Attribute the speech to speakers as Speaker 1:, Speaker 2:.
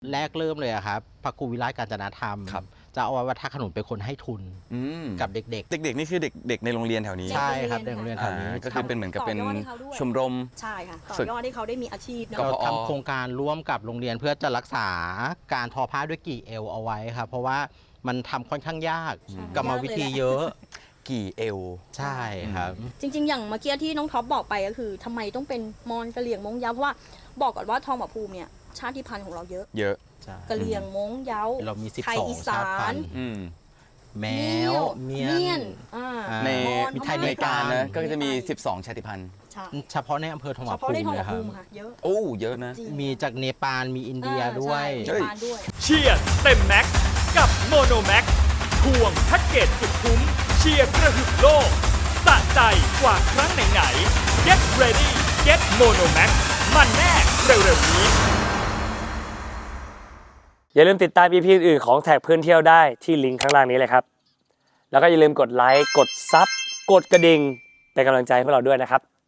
Speaker 1: แรกเริ่มเลยอะครับพระครูวิไลกาญจนธรรมเจ้าอาวาสวัดท่าขนุนเป็นคนให้ทุนกับเด็ก
Speaker 2: เด็กๆนี่คือเด็กในโรงเรียนแถวนี้
Speaker 1: ใช่ครับในโรงเรียนแถวนี้
Speaker 2: ก็คือเป็นเหมือนกับเป็นชมรม
Speaker 3: ใช่ค่ะต่อยอดให้เขาได้มีอาชีพเนาะ
Speaker 1: ก็ทำโครงการร่วมกับโรงเรียนเพื่อจะรักษาการทอผ้าด้วยกี่เอวเอาไว้ครับเพราะว่ามันทำค่อนข้างยากกรรมวิธีเยอะ
Speaker 2: กี่เอว
Speaker 1: ใช่ครับ
Speaker 3: จริงๆอย่างเมื่อกี้ที่น้องท็อปบอกไปก็คือทำไมต้องเป็นมอญกะเหรี่ยงม้งเย้าเพราะว่าบอกก่อนว่าทองผาภูมิเนี่ยชาติพันธุ์ของเราเยอะกะเหรี่ยงม้งเย้า
Speaker 1: เรามี
Speaker 3: ไทยอีสาน
Speaker 1: แมวเมียน
Speaker 2: ใน
Speaker 1: มีไทยใน
Speaker 2: การนะก็จะมี12ชาติพันธุ์
Speaker 1: เฉพาะในอำเภอทองผาภูมินะครับ
Speaker 3: เยอะ
Speaker 2: โอ้เยอะนะ
Speaker 1: มีจากเนปาลมีอินเดียด้วย
Speaker 4: เชียร์เต็มแม็กกับโมโนแม็กควงแพ็กเกจสุดคุ้มเชียร์กระหึ่มโลกสะใจกว่าครั้งไหนๆ Get ready Get Mono Max มันแน่เร็วๆนี้
Speaker 5: อย่าลืมติดตาม EP อื่นของแท็กเพื่อนเที่ยวได้ที่ลิงก์ข้างล่างนี้เลยครับแล้วก็อย่าลืมกดไลค์กดซับกดกระดิ่งเป็นกำลังใจให้พวกเราด้วยนะครับ